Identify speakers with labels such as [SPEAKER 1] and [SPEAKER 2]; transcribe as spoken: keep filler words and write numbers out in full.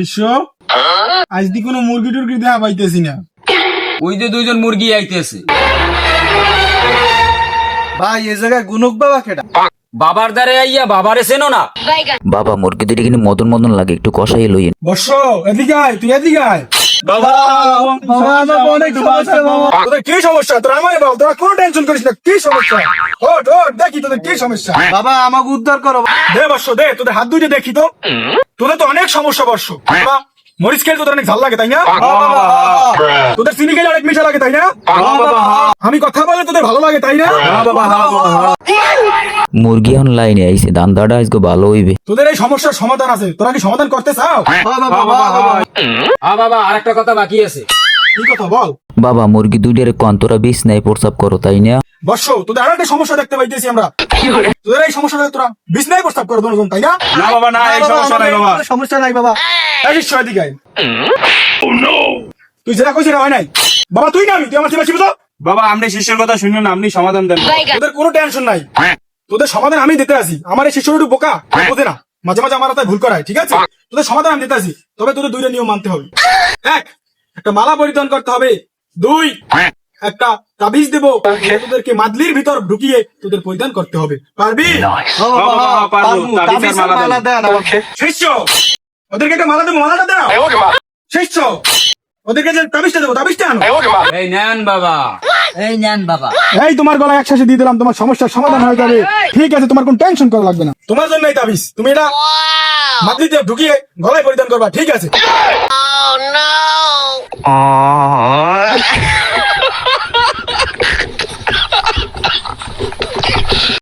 [SPEAKER 1] শিষ্য আজ দি কোনো মুরগি টুরগি দেখা পাইতেছি না।
[SPEAKER 2] ওই যে দুইজন মুরগি আইতেছে।
[SPEAKER 3] ভাই এই জায়গায় গুনুক বাবা কেডা?
[SPEAKER 2] বাবার দ্বারে আইয়া বাবারে চেনো না?
[SPEAKER 4] বাবা মুরগি দুটি কিন্তু মদন মদন লাগে, একটু কষাই লইয়েন।
[SPEAKER 1] বর্ষ এদিকে আয়, তুই এদিকে আয়।
[SPEAKER 3] বাবা বাবা আমার অনেক সমস্যা বাবা।
[SPEAKER 1] তোদের কি সমস্যা? তোরা আমায় বল, তোরা কোনো টেনশন করিস না। কি সমস্যা? ওঠ ওঠ, দেখি তোদের কি সমস্যা।
[SPEAKER 3] বাবা আমাকে উদ্ধার করো।
[SPEAKER 1] দে বর্ষ দে, তোদের হাত দুইটা দেখি তো। তোদের তো অনেক সমস্যা বর্ষ। বাবা, মরিচ খেলে তোদের অনেক ঝাল লাগে তাই না? তোদের চিনি খেলে অনেক মিঠা লাগে তাই না? আমি কথা বলে তোদের ভালো লাগে তাই না?
[SPEAKER 4] মুরগি এখন লাইনে আইছে, দান্দাটা আজকে ভালো হইবে।
[SPEAKER 1] তোদের এই সমস্যার সমাধান আছে, তোরা কি সমাধান করতে চাও?
[SPEAKER 2] হ্যাঁ বাবা, আর একটা কথা বাকি আছে।
[SPEAKER 1] কি কথা বল?
[SPEAKER 4] বাবা মুরগি দুইটার কন্তরা বিষ নাই প্রস্রাব করো তাই না?
[SPEAKER 1] বর্ষ, তোদের আরো একটা সমস্যা দেখতে পাইতেছি আমরা। তোদের এই সমস্যাটা তোরা বিছনায় প্রস্তাব করো দুজন তাই না?
[SPEAKER 3] না বাবা না, এই সমস্যা নাই বাবা। সমস্যা নাই বাবা।
[SPEAKER 1] এই শিষ্য এদিকে আয়। তুই যেটা কইছিস হয় নাই। বাবা তুই না আমি, তুই আমার চিপা তো।
[SPEAKER 3] বাবা আপনি শিষ্যের কথা শুনুন, আপনি সমাধান দেন।
[SPEAKER 1] তোদের কোনো টেনশন নাই, তোদের সমাধান আমি দিতে আসি। আমার এই শিষ্য একটু বোকা, বোঝে না, মাঝে মাঝে আমার তাই ভুল করায়, ঠিক আছে? তোদের সমাধান আমি দিতে আসি, তবে তোদের দুইটা নিয়ম মানতে হবে। এক, একটা মালা পরিধান করতে হবে। দুই, একটা তাবিজ দেবো, তোদেরকে মাদলির ভিতর ঢুকিয়ে তোদের পরিধান করতে হবে। পারবি? শিষ্য, ওদেরকে একটা মালা দেবো, মালাটা দাও। শিষ্য, ওদেরকে যে তাবিজটা দেবো, তাবিজটা আনো।
[SPEAKER 2] এই নেন বাবা।
[SPEAKER 4] এই নেন বাবা।
[SPEAKER 1] এই তোমার গলায় একসাথে দিয়ে দিলাম, তোমার সমস্যার সমাধান হয়ে যাবে। ঠিক আছে, তোমার কোনো টেনশন করা লাগবে না। তোমার জন্য এই তাবিজ, তুমি এটা মাদলিতে ঢুকিয়ে গলায় পরিধান করবা, ঠিক আছে?